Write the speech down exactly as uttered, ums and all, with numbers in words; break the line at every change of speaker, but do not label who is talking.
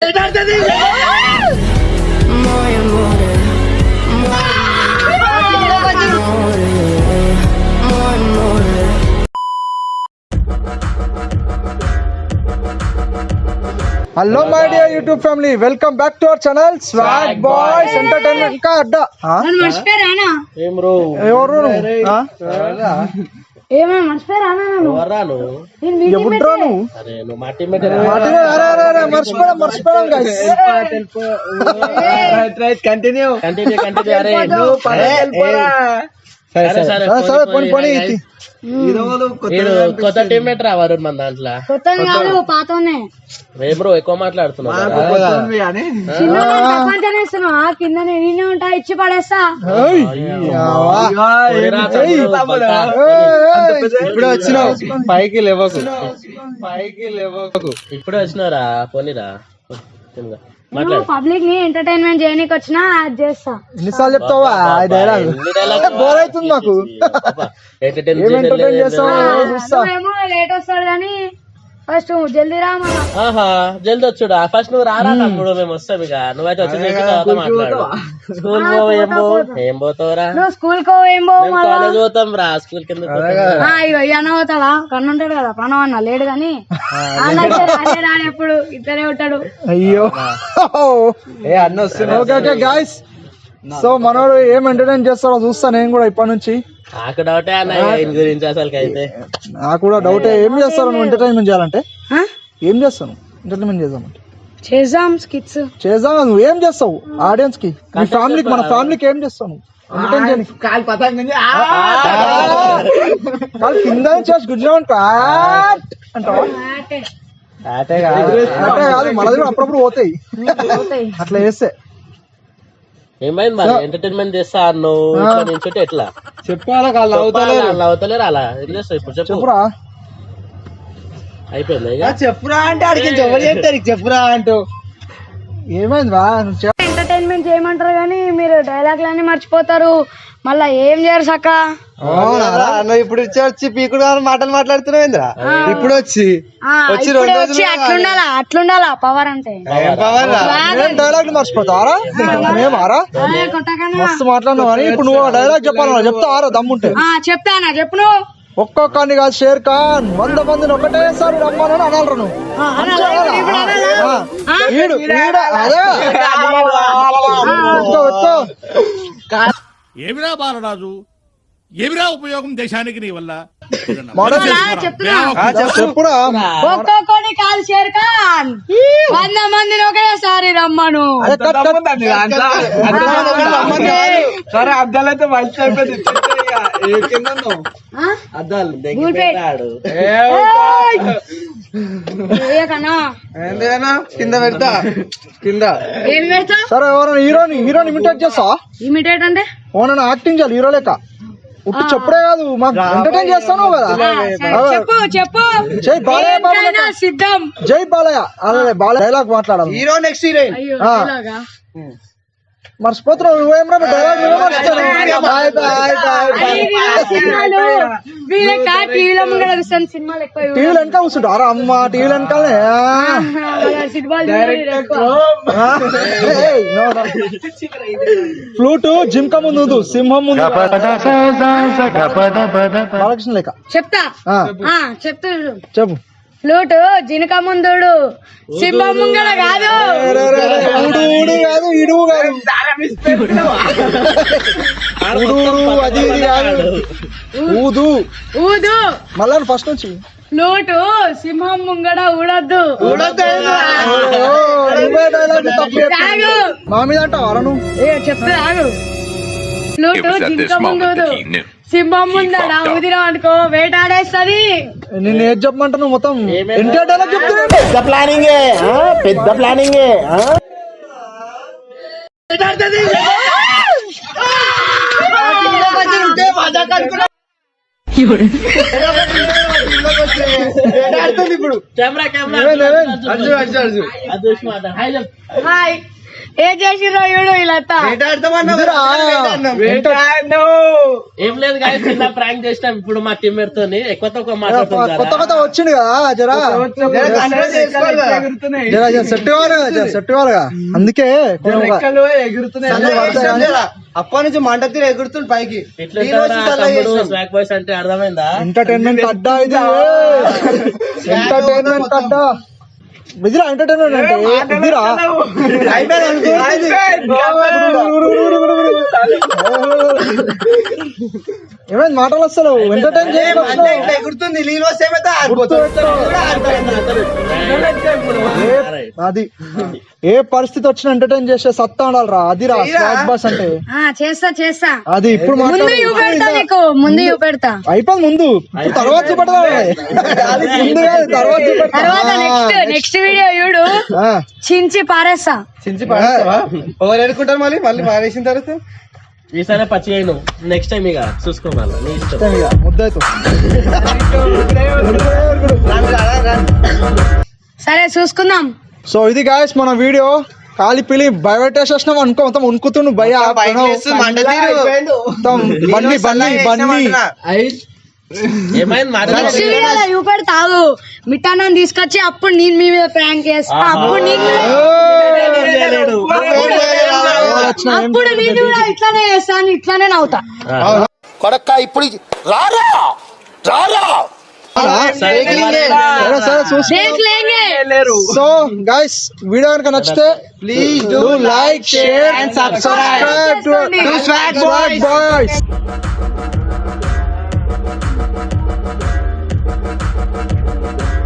Hello my dear YouTube family, welcome back to our channel swag boys entertainment. ఇంకా అడ్డా ఎవరు మర్చిపోయాం మర్చిపోయాం గైస్. సరే పోనీ పోనీ
కొత్త టీమ్మేట్ రా వరుణ్ మన దాంట్లో. బ్రో ఎక్కువ మాట్లాడుతున్నా
కింద ఉంటా ఇచ్చి పడేస్తా.
ఇప్పుడు వచ్చినావు పైకి లేవకు, పైకి లేవకు.
ఇప్పుడు వచ్చినారా పోనీరా.
పబ్లిక్ ని ఎంటర్టైన్మెంట్ చేయడానికి వచ్చినా అది చేస్తా.
ఎన్నిసార్లు చెప్తావా డైలాగ్? బోర్ అవుతుంది మాకు.
ఏమో లేట్ వస్తాడు కానీ ఫస్ట్ జల్దీ రా.
ఆహా జల్దీ వచ్చుడా. ఫస్ట్ నువ్వు రారా తమ్ముడు, మేము వస్తాం. ఇక నువ్వైతే వచ్చి మాట్లాడు. స్కూల్ పో ఏం పో ఏం పోతావురా?
స్కూల్ కో ఏం పో
కాలేజ్ పోతాం రా. స్కూల్ కింద
అన్న పోతాడా? కన్ను ఉంటాడు కదా ప్రణవ్ అన్న, లేడు గాని అదే రాడు ఎప్పుడు ఇద్దరే ఉంటాడు.
అయ్యో ఏ అన్న వస్తున్నా గాయస్. సో మనోడు ఏం ఎంటర్టైన్ చేస్తాడో చూస్తా నేను కూడా ఇప్పటి నుంచి.
నాకు డౌటే అన్న గురించి అసలు అయితే.
నాకు కూడా డౌటే. ఏం చేస్తావు నువ్వు ఎంటర్టైన్మెంట్ చేయాలంటే? ఏం చేస్తాను ఎంటర్టైన్మెంట్ చేద్దామంటే?
చేద్దాం స్కిట్స్
చేద్దాం. నువ్వు ఏం చేస్తావు ఆడియన్స్ కి, మీ ఫ్యామిలీకి, మన ఫ్యామిలీకి ఏం చేస్తావు? కాలు కింద చేసి గుజ్జామంటా అంటావా? అటే కాదు మనది కూడా అప్పుడప్పుడు పోతాయి అట్లా చేస్తే.
ఏమైంది మరి ఎంటర్టైన్మెంట్ చేస్తా అన్నావు నుంచి ఎట్లా
చెప్పాలా? కాళ్ళు
అవుతలేరు అలా ఏం చేస్తావు ఇప్పుడు
చెప్పురా.
అయిపోయింది
చెప్పురా అంటే అడిగి ఎవరు చెప్తారు చెప్పురా అంటూ. ఏమైంది బా?
ఎంటర్టైన్మెంట్ చేయమంటారు కానీ మీరు డైలాగ్లన్నీ మర్చిపోతారు. మళ్ళా ఏం చేయరు సక్క.
ఇప్పుడు వచ్చి పీకుడు మాటలు మాట్లాడుతున్నావు. ఇప్పుడు వచ్చి
వచ్చి అట్లుండాలా అట్లుండాలా పవర్ అంటే.
డైలాగ్ మర్చిపోతారా? మేమారా మస్తు మాట్లాడినావు కానీ ఇప్పుడు నువ్వు డైలాగ్ చెప్పాలన్నా చెప్తావారా? దమ్ముంటే
చెప్తానా చెప్పు. నువ్వు
ఒక్కొక్కని కాదు, షేర్ ఖాన్ వంద మందిని ఒకటేసారి రమ్మని అనాలరా నువ్వు.
ఏమిరా బాలరాజు, ఏమిరా ఉపయోగం దేశానికి నీ వల్ల?
చెప్పురా.
ఒక్కొక్కని కాదు షేర్ ఖాన్ వంద మందిని ఒకేసారి రమ్మను.
సరే అద్దాలు అయితే మంచి అయిపోయింది. అద్దాలు కింద పెడతా కింద.
ఏం పెడతా?
సరే ఎవరైనా హీరోని హీరోని ఇమిటేట్ చేస్తా.
ఇమిటేట్ అంటే
ఓనన్నా యాక్టింగ్ చేయాలి హీరో లేక. ఉట్టు చెప్పుడే కాదు, మాకు ఎంటర్టైన్ చేస్తాను కదా.
చెప్పు చెప్పు.
జై బాలయ్య
సిద్ధం.
జై బాలయ్య. అదే బాలయ్య డైలాగ్ మాట్లాడాలి. హీరో నెక్స్ట్ హీరోయిన్ మర్చిపోతున్నావు. నువ్వేమరా డైలాగ్ టీవీలు వెనక కూర్చుంటారా? అమ్మ టీవీలు వెనకాలనే ఫ్లూట్ జిమ్క ముందు సింహం ముందు బాలకృష్ణ లేక.
చెప్తా చెప్తా
చెప్పు.
ఫ్లూట్ జినక ముందు సింహం ముంగడ కాదు.
కాదు ఇడువు కాదు అది ఇది కాదు. ఊదు
ఊదు
మళ్ళా ఫస్ట్ నుంచి.
ఫ్లూట్ సింహం ముంగడ ఊడద్దు.
మా మీద అంటావు అర నువ్వు?
చెప్తా ఆగు. ఫ్లూట్ జినక ముందు సింహం ముందడా ఊదిరా అనుకో వేటాడేస్తుంది.
నేను ఏది చెప్పమంటా నువ్వు మొత్తం ఎన్టీఆర్ డైలాగ్ చెప్తున్నా.
పెద్ద ప్లానింగ్ పెద్ద ప్లానింగ్
ఇప్పుడు
హాయ్ ఏం చేసిర్రో చూడు వీళ్ళంతా
ఏం లేదు కానీ చిన్న ప్రాంక్ చేసినాం ఇప్పుడు మా టీమ్మేట్ తోని ఎక్కువ తక్కువ
కొత్త
మాట్లాడుతుంది
కొత్త వచ్చింది కదా జరా జరా జర సెట్ కావాలి కదా జర సెట్ కావాలిగా అందుకే
అప్పటి నుంచి మంట తీరు ఎగురుతుంది పైకి
స్వాక్ బాయ్స్ అంటే అర్థమైందా?
ఎంటర్టైన్మెంట్ అడ్డా ఇది ఎంటర్టైన్మెంట్ అడ్డా బిజిరా ఎంటర్టైన్మెంట్ అంటే బిజిరా ఏమైంది మాటలు వస్తారు ఎంటర్టైన్
ఎగురుతుంది నీళ్ళు వస్తే
అది ఏ పరిస్థితి వచ్చినా ఎంటర్టైన్ చేసే సత్తా ఉండాలిరా అది రా స్వాగ్ బాస్ అంటే
ఆ, చేస్తా చేస్తా
అది ఇప్పుడు
ముందు
మాట్లాడు.
చూపెడతా నీకు ముందు చూపెడతా
అయిపోయింది ముందు ఇప్పుడు తర్వాత చూపెడదా అది ముందు కాదు, తర్వాత చూపెడతా.
తర్వాత నెక్స్ట్ నెక్స్ట్ వీడియో చూడు
ఆ,
చించి పారేస్తా
చించి పాడేస్తావా? ఎవరు ఎడుకుంటారు మళ్ళీ మళ్ళీ పాడేసిన తర్వాత
ఈసారి పచ్చి అయిను నెక్స్ట్ టైం ఇక చూసుకోవాలి నీ ఇష్టం.
ఇష్టం ఇక ముద్దయితో
సరే చూసుకుందాం.
సో ఇది గాయస్ మన వీడియో కాలి పిలి భయపెట్టేసేసినాం అనుకో మొత్తం ఉనుకుతుండు భయ
పైకి లేస్తుంది, మంట తీరు.
మొత్తం బన్నీ బన్నీ బన్నీ
ఏమైంది
నెక్స్ట్
మాట్లాడాలి
వీడియోలో చూపెడతావు మిఠానాన్ని తీసుకొచ్చి అప్పుడు నేను మీ మీద ప్రాంక్ చేస్తా అప్పుడు నీకు అప్పుడు నేను కూడా ఇట్లానే చేస్తాను ఇట్లానే నవ్వుతా.
సరే సరే చూసి
దేఖ్ లేంగే.
సో గైస్ వీడియో కనుక నచ్చితే please do like share and subscribe to swag boys.